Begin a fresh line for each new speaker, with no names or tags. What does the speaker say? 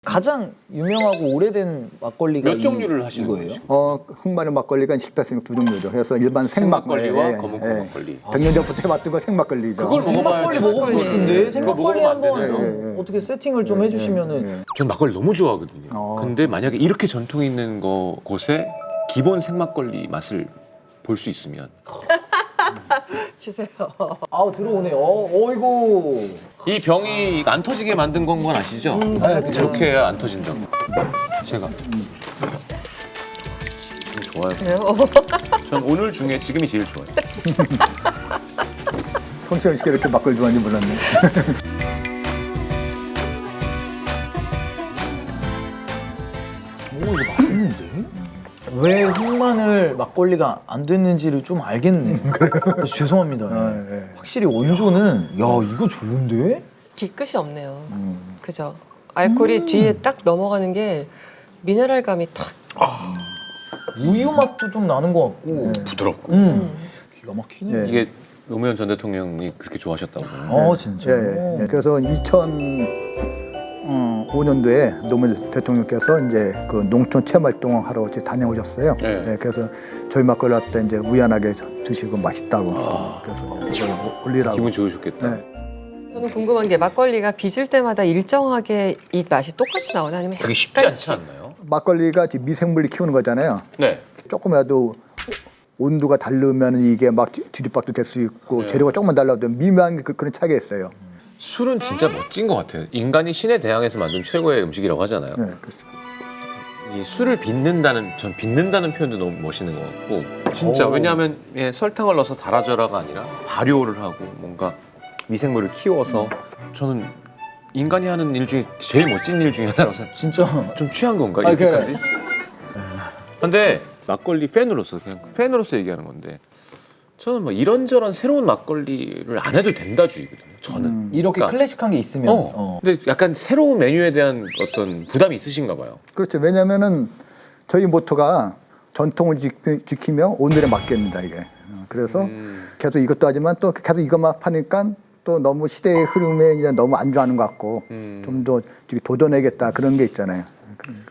가장 유명하고 오래된 막걸리가
몇 종류를 하시는
이거예요?
흑마늘 막걸리가 실패했으니까 두 종류죠. 그래서 일반
생막걸리와 검은콩 막걸리.
100년 전부터 해왔던 거 생막걸리죠.
그걸 먹어봐야
생막걸리
돼.
먹어보고 싶은데 생막걸리
먹으면 안
한번
되나요?
어떻게 세팅을 좀 해주시면은
전 막걸리 너무 좋아하거든요. 근데 만약에 이렇게 전통 있는 곳에 기본 생막걸리 맛을 볼 수 있으면
주세요.
아우 들어오네요. 어이구.
이 병이 안 터지게 만든 건 아시죠?
그렇죠.
이렇게 해야 안 터진다고. 제가 좋아요.
그래요?
전 오늘 중에 지금이 제일 좋아요.
성시현 씨가 이렇게 막걸리 좋아하는지 몰랐네.
오 이거 맛있는데? 왜 흑마늘 막걸리가 안 됐는지를 좀 알겠네. 죄송합니다.
예.
확실히 원조는 야 이거 좋은데?
뒤끝이 없네요. 그죠? 알코올이 뒤에 딱 넘어가는 게 미네랄감이 탁.
우유 맛도 좀 나는 것 같고.
부드럽고.
기가 막히네.
예.
이게 노무현 전 대통령이 그렇게 좋아하셨다고.
아 진짜.
예. 그래서 2005년도에 노무현 대통령께서 이제 그 농촌 체험활동 하러 다녀오셨어요.
네.
예, 그래서 저희 막걸리 할 때 이제 우연하게 드시고 맛있다고. 그래서 이걸 올리라고.
기분 좋으셨겠다.
네.
저는 궁금한 게 막걸리가 빚을 때마다 일정하게 이 맛이 똑같이 나오나 아니면
그게 쉽지 않지 않나요?
막걸리가 지금 미생물이 키우는 거잖아요.
네.
조금이라도 온도가 다르면 이게 막 뒤집박도 될 수 있고
네.
재료가 조금만 달라도 미묘한 그런 차이가 있어요.
술은 진짜 멋진 것 같아요. 인간이 신의 대항에서 만든 최고의 음식이라고 하잖아요.
네, 그렇죠.
이 술을 전 빚는다는 표현도 너무 멋있는 것 같고 진짜 왜냐하면 설탕을 넣어서 달아져라가 아니라 발효를 하고 뭔가 미생물을 키워서 저는 인간이 하는 일 중에 제일 멋진 일 중에 하나라고 생각해요.
진짜.
좀 취한 건가
아,
이렇게까지? 근데 막걸리 팬으로서 그냥 팬으로서 얘기하는 건데 저는 뭐 이런저런 새로운 막걸리를 안 해도 된다주의거든요. 저는
이렇게
그러니까,
클래식한 게 있으면.
근데 약간 새로운 메뉴에 대한 어떤 부담이 있으신가 봐요.
그렇죠. 왜냐면은 저희 모토가 전통을 지키며 오늘에 맡깁니다 이게. 그래서 계속 이것도 하지만 또 계속 이것만 파니까 또 너무 시대의 흐름에 그냥 너무 안주하는 것 같고 좀 더 도전해야겠다 그런 게 있잖아요.